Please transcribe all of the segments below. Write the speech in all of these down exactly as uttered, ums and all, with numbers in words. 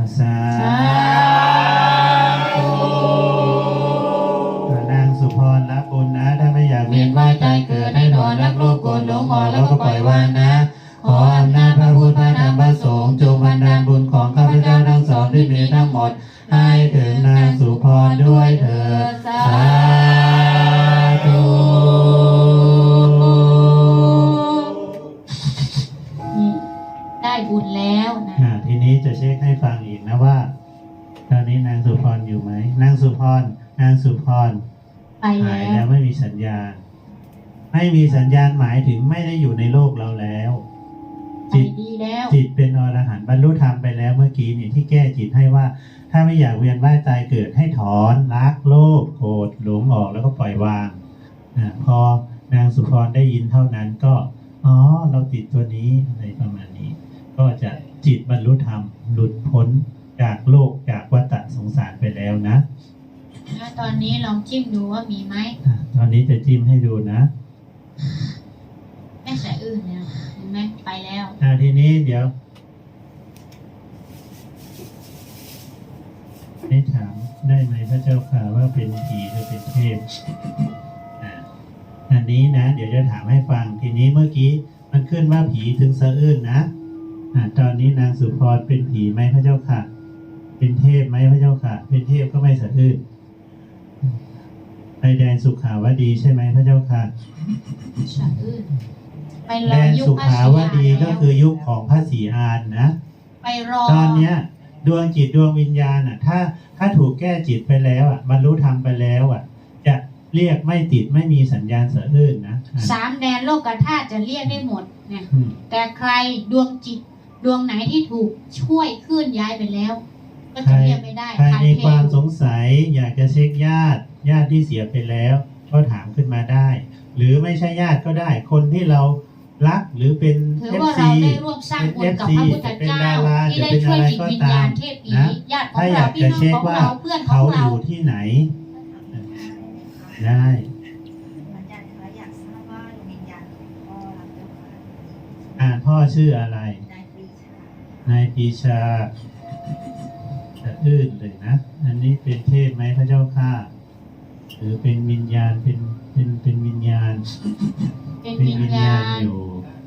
สาธุนางสุพรรับบุญนะถ้าไม่อยากเวียนว่ายตายเกิดให้ถอนรักโลภโกรธหลงออกแล้วก็ปล่อยวางนะขออำนาจพระพุทธพระธรรมพระสงฆ์จงบันดาลบุญของข้าพเจ้าทั้งสองที่มีทั้งหมดให้ถึงนางสุพรด้วยเถิดสาธุได้บุญแล้วนะทีนี้จะเช็คให้ฟังอีกนะว่าตอนนี้นางสุพรอยู่ไหมนางสุพรนางสุพรไปหายแล้วไม่มีสัญญาณไม่มีสัญญาณหมายถึงไม่ได้อยู่ในโลกเราแล้วจิตจิตเป็นอรหันต์บรรลุธรรมไปแล้วเมื่อกี้นี่ที่แก้จิตให้ว่าถ้าไม่อยากเวียนว่ายตายเกิดให้ถอนรักโลภโกรธหลงออกแล้วก็ปล่อยวางอ่าพอนางสุพรได้ยินเท่านั้นก็อ๋อเราติดตัวนี้อะไรประมาณนี้ก็จะจิตบรรลุธรรมหลุดพ้นจากโลกจากวัฏสงสารไปแล้วนะแล้วตอนนี้ลองจิ้มดูว่ามีไหมตอนนี้จะจิ้มให้ดูนะไม่ใส่อื่นเนี่ยเห็นไหมไปแล้วอ่าทีนี้เดี๋ยวให้ถามได้ไหมพระเจ้าค่ะว่าเป็นผีหรือเป็นเทพอ่าอันนี้นะเดี๋ยวจะถามให้ฟังทีนี้เมื่อกี้มันขึ้นว่าผีถึงสะอื้นนะอ่าตอนนี้นางสุพรเป็นผีไหมพระเจ้าค่ะเป็นเทพไหมพระเจ้าค่ะเป็นเทพก็ไม่สะอื้นไปแดนสุขาวดีใช่ไหมพระเจ้าค่ะสะอื้นไปรอแดนสุขาวดีก็คือยุคของพระศรีอานนะไปรอตอนเนี้ยดวงจิตดวงวิญญาณอ่ะถ้าถ้าถูกแก้จิตไปแล้วอ่ะบรรลุธรรมไปแล้วอ่ะจะเรียกไม่ติดไม่มีสัญญาณสะอื้นนะสามแดนโลกธาตุจะเรียกได้หมดเนี่ยแต่ใครดวงจิตดวงไหนที่ถูกช่วยเคลื่อนย้ายไปแล้วก็จะเรียกไม่ได้ใครมีความสงสัยอยากจะเช็คญาติญาติที่เสียไปแล้วก็ถามขึ้นมาได้หรือไม่ใช่ญาติก็ได้คนที่เรารักหรือเป็นเอฟซีได้ร่วมสร้างบุญกับพระพุทธเจ้าที่ได้ช่วยจิตวิญญาณเทพผีญาติของเราพี่น้องของเราเพื่อนของเราอยู่ที่ไหนได้อ่าพ่อชื่ออะไรนายปีชาจะอื้นเลยนะอันนี้เป็นเทพไหมพระเจ้าค่ะหรือเป็นวิญญาณเป็นเป็นเป็นวิญญาณเป็นวิญญาณอยู่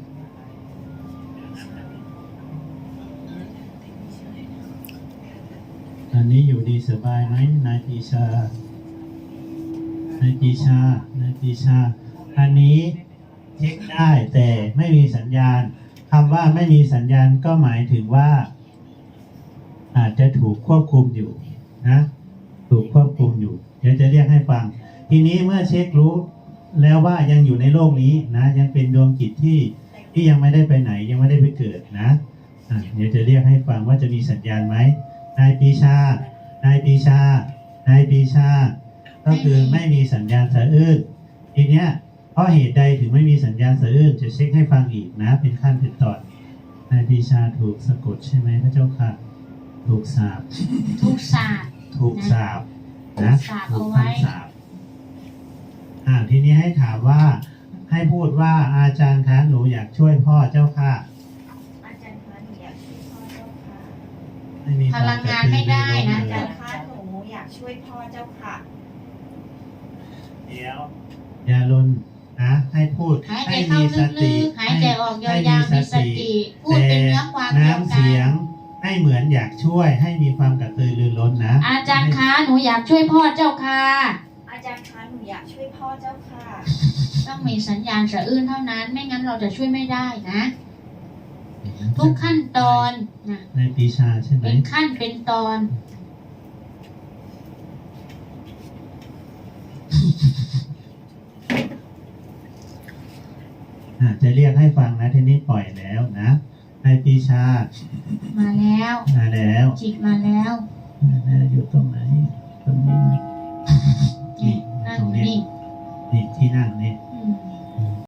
อันนี้อยู่ดีสบายไหมนายปีชานายปีชานายปีชาอันนี้เช็คได้แต่ไม่มีสัญญาณคำว่าไม่มีสัญญาณก็หมายถึงว่าอาจจะถูกควบคุมอยู่นะถูกควบคุมอยู่เดี๋ยวจะเรียกให้ฟังทีนี้เมื่อเช็ครู้แล้วว่ายังอยู่ในโลกนี้นะยังเป็นดวงจิตที่ที่ยังไม่ได้ไปไหนยังไม่ได้ไปเกิดนะอ่ะเดี๋ยวจะเรียกให้ฟังว่าจะมีสัญญาณไหมนายปีชานายปีชานายปีชาก็คือไม่มีสัญญาณสะอื้นทีเนี้ยเพราะเหตุใดถึงไม่มีสัญญาณสะอื้นจะเช็คให้ฟังอีกนะเป็นขั้นเป็นตอนนายปีชาถูกสะกดใช่ไหมพระเจ้าค่ะถูกสาปถูกสาปถูกสาปนะถูกคำสาปอ่าทีนี้ให้ถามว่าให้พูดว่าอาจารย์คะหนูอยากช่วยพ่อเจ้าค่ะอาจารย์คะหนูอยากช่วยพ่อเจ้าค่ะพลังงานไม่ได้นะอาจารย์คะหนูอยากช่วยพ่อเจ้าค่ะเดี๋ยวอย่าลนนะให้พูดให้มีสติหายใจออกยาวๆมีสติพูดเป็นเนื้อความเดียวกันน้ำเสียงให้เหมือนอยากช่วยให้มีความกระตือรือร้นนะอาจารย์คะหนูอยากช่วยพ่อเจ้าค่ะอาจารย์คะหนูอยากช่วยพ่อเจ้าค่ะต้องมีสัญญาณสะอื้นเท่านั้นไม่งั้นเราจะช่วยไม่ได้นะทุกขั้นตอนนะในปีชาใช่ไหมเป็นขั้นเป็นตอนจะเรียกให้ฟังนะทีนี้ปล่อยแล้วนะนายปีชามาแล้วมาแล้วจิตมาแล้วมาแล้วอยู่ตรงไหนตรงนี้นี่นั่งนี่นี่ที่นั่งนี่